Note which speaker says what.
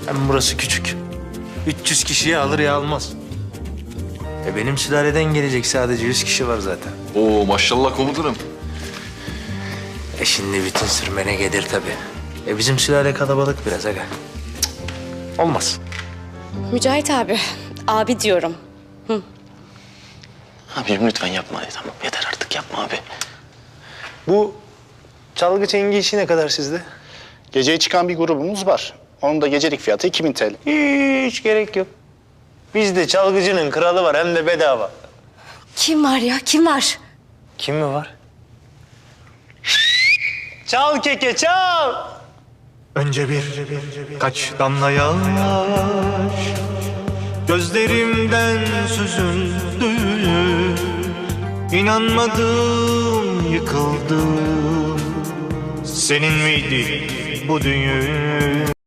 Speaker 1: Hem burası küçük. 300 kişiyi alır ya almaz. Benim sülaleden gelecek sadece 100 kişi var zaten.
Speaker 2: Oo maşallah komutanım.
Speaker 1: Şimdi bütün sürmene gelir tabii. Bizim sülale kalabalık biraz aga. Cık, olmaz.
Speaker 3: Mücahit abi, abi diyorum.
Speaker 4: Abicim lütfen yapma. Tamam yeter artık yapma abi.
Speaker 1: Bu çalgı çengi işi ne kadar sizde?
Speaker 5: Geceye çıkan bir grubumuz var. Onun da gecelik fiyatı 2000 TL.
Speaker 1: Hiç gerek yok. Bizde çalgıcının kralı var hem de bedava.
Speaker 3: Kim var ya, kim var?
Speaker 1: Kim mi var? Çal keke çal. Önce kaç damla yaş gözlerimden süzüldü. İnanmadım, yıkıldım. Senin miydi bu düğün?